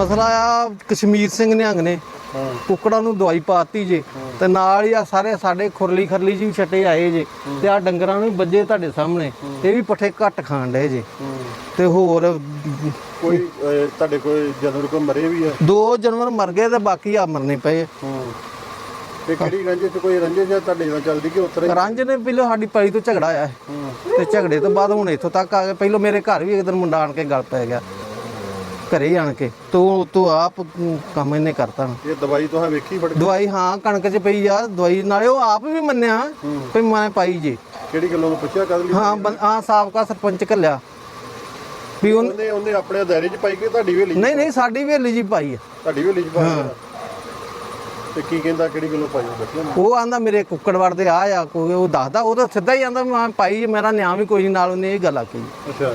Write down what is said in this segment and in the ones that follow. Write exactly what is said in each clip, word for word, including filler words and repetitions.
ਮਸਲਾ ਆ ਕਸ਼ਮੀਰ ਸਿੰਘ ਨਿਹੰਗ ਨੇ ਕੁੱਕੜਾਂ ਨੂੰ ਦਵਾਈ ਪਾਤੀ ਜੇ ਤੇ ਨਾਲ ਹੀ ਆ ਸਾਰੇ ਸਾਡੇ ਖੁਰਲੀ ਖਰਲੀ ਜੀ ਛੱਟੇ ਆਏ ਜੇ ਤੇ ਆ ਡੰਗਰਾਂ ਨੂੰ ਵੱਜੇ ਤੁਹਾਡੇ ਸਾਹਮਣੇ ਇਹ ਵੀ ਪੱਠੇ ਘੱਟ ਖਾਣ ਡਏ ਜੇ ਤੇ ਹੋਰ ਕੋਈ ਤੁਹਾਡੇ ਕੋਈ ਜਾਨਵਰ ਕੋਈ ਮਰੇ ਵੀ ਆ? ਦੋ ਜਾਨਵਰ ਮਰ ਗਏ ਤੇ ਬਾਕੀ ਆ ਮਰਨੇ ਪਏ। ਤੇ ਕਿਹੜੀ ਰੰਜੇ ਤੇ ਕੋਈ ਰੰਜੇ ਜਾਂ ਤੁਹਾਡੇ ਨਾਲ ਚੱਲਦੀ ਕਿ ਉਤਰੇ ਰੰਜ ਨੇ ਪਹਿਲਾਂ ਸਾਡੀ ਪੈਲੀ ਤੋਂ ਝਗੜਾ ਆਇਆ ਤੇ ਝਗੜੇ ਤੋਂ ਬਾਅਦ ਹੁਣ ਇੱਥੋਂ ਤੱਕ ਆ ਗਏ। ਪਹਿਲਾਂ ਮੇਰੇ ਘਰ ਵੀ ਇੱਕ ਦਿਨ ਮੁੰਡਾ ਆਣ ਕੇ ਗੱਲ ਪੈ ਗਿਆ ਘਰੇ ਆਣ ਕੇ ਤੂੰ ਤੂੰ ਆਪ ਕੰਮ ਇਹਨੇ ਕਰਤਾ। ਇਹ ਦਵਾਈ ਤੁਸੀਂ ਵੇਖੀ ਫੜ ਦਵਾਈ ਹਾਂ ਕਣਕ 'ਚ ਪਈ ਆ ਦਵਾਈ, ਨਾਲੇ ਉਹ ਆਪ ਵੀ ਮੰਨਿਆ ਵੀ ਮੈਂ ਪਾਈ ਜੇ। ਕਿਹੜੀ ਗੱਲੋਂ ਨੂੰ ਪੁੱਛਿਆ ਕਦ ਲਈ? ਹਾਂ ਹਾਂ ਸਾਬਕਾ ਸਰਪੰਚ ਘੱਲਿਆ ਵੀ ਉਹਨੇ ਉਹਨੇ ਆਪਣੇ ਦਾਇਰੇ 'ਚ ਪਾਈ ਕਿ ਤੁਹਾਡੀ ਹਵੇਲੀ? ਨਹੀਂ ਨਹੀਂ ਸਾਡੀ ਹਵੇਲੀ ਜੀ ਪਾਈ ਆ। ਤੁਹਾਡੀ ਹਵੇਲੀ 'ਚ ਪਾਈ? ਤੇ ਕੀ ਕਹਿੰਦਾ ਕਿਹੜੀ ਗੱਲੋਂ ਪਾਈ ਦੱਸਿਆ? ਉਹ ਆਂਦਾ ਮੇਰੇ ਕੁੱਕੜ ਵੜਦੇ ਆ ਆ ਕੋਈ ਉਹ ਦੱਸਦਾ, ਉਹ ਤਾਂ ਸਿੱਧਾ ਹੀ ਆਂਦਾ ਮੈਂ ਪਾਈ, ਮੇਰਾ ਨਿਆਂ ਵੀ ਕੋਈ ਨਹੀਂ ਨਾਲ। ਉਹਨੇ ਇਹ ਗੱਲ ਆਖੀ। ਅੱਛਾ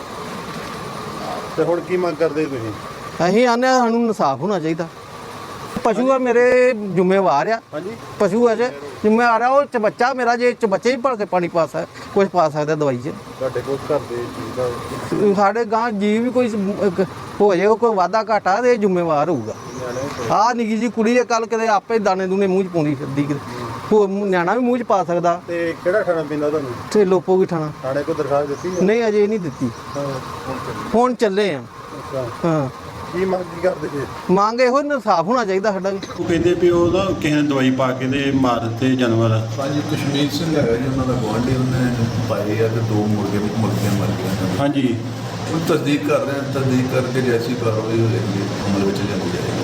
ਤੇ ਹੁਣ ਕੀ ਮੰਗ ਕਰਦੇ ਤੁਸੀਂ? ਅਸੀਂ ਆਨੇ ਸਾਨੂੰ ਇਨਸਾਫ ਹੋਣਾ ਚਾਹੀਦਾ। ਪਸ਼ੂ ਆ ਮੇਰੇ ਜ਼ਿੰਮੇਵਾਰ ਆ। ਹਾਂਜੀ ਪਸ਼ੂ ਆ ਜੇ ਜ਼ਿੰਮੇਵਾਰ ਆ। ਉਹ ਚ ਬੱਚਾ ਮੇਰਾ ਜੇ ਚ ਬੱਚੇ ਹੀ ਭਲ ਕੇ ਪਾਣੀ ਪਾ ਸਕਦਾ ਕੁਝ ਪਾ ਸਕਦਾ ਦਵਾਈ 'ਚ। ਤੁਹਾਡੇ ਕੋਲ ਘਰ ਦੇ ਚੀਜ਼ ਦਾ ਸਾਡੇ ਗਾਂ ਜੀ ਵੀ ਕੋਈ ਹੋ ਜਾਏ ਕੋਈ ਵਾਧਾ ਘਾਟਾ ਤੇ ਜ਼ਿੰਮੇਵਾਰ ਹੋਊਗਾ। ਆਹ ਨਿੱਕੀ ਜੀ ਕੁੜੀ ਹੈ ਕੱਲ ਕਿਤੇ ਆਪੇ ਦਾਣੇ ਦੂਣੇ ਮੂੰਹ 'ਚ ਪਾਉਂਦੀ ਫਿਰਦੀ ਕਿਤੇ, ਹੋਰ ਨਿਆਣਾ ਵੀ ਮੂੰਹ 'ਚ ਪਾ ਸਕਦਾ। ਤੇ ਕਿਹੜਾ ਖਾਣਾ ਪੀਂਦਾ ਤੁਹਾਨੂੰ? ਤੇ ਲੋਪੋ ਵੀ ਠਾਣਾ ਥਾਣੇ ਕੋਲ ਦਰਖਾਸਤ ਦਿੱਤੀ ਹੈ? ਨਹੀਂ ਅਜੇ ਨਹੀਂ ਦਿੱਤੀ, ਹਾਂ ਹੁਣ ਚੱਲੇ ਆ। ਅੱਛਾ ਹਾਂ ਕੀ ਮੰਗ ਕੀ ਕਰਦੇ ਜੀ? ਮੰਗ ਇਹੋ ਇਨਸਾਫ ਹੋਣਾ ਚਾਹੀਦਾ ਸਾਡਾ ਵੀ। ਉਹ ਕਹਿੰਦੇ ਵੀ ਉਹਦਾ ਕਿਸੇ ਨੇ ਦਵਾਈ ਪਾ ਕੇ ਤੇ ਮਾਰ ਦਿੱਤੇ ਜਾਨਵਰ। ਹਾਂਜੀ ਕਸ਼ਮੀਰ ਸਿੰਘ ਹੈਗਾ ਜੀ ਉਹਨਾਂ ਦਾ ਗੁਆਂਢੀ, ਉਹਨੇ ਪਾਏ ਆ ਤੇ ਦੋ ਮੁਰਗੇ ਮੁਰਗੀਆਂ ਮਰ ਗਈਆਂ। ਹਾਂਜੀ ਉਹ ਤਸਦੀਕ ਕਰ ਰਹੇ ਹਾਂ, ਤਸਦੀਕ ਕਰਕੇ ਜੈਸੀ ਕਾਰਵਾਈ ਹੋਏਗੀ ਅਮਲ ਵਿੱਚ ਲਿਆਂਦੀ ਜਾਏਗੀ।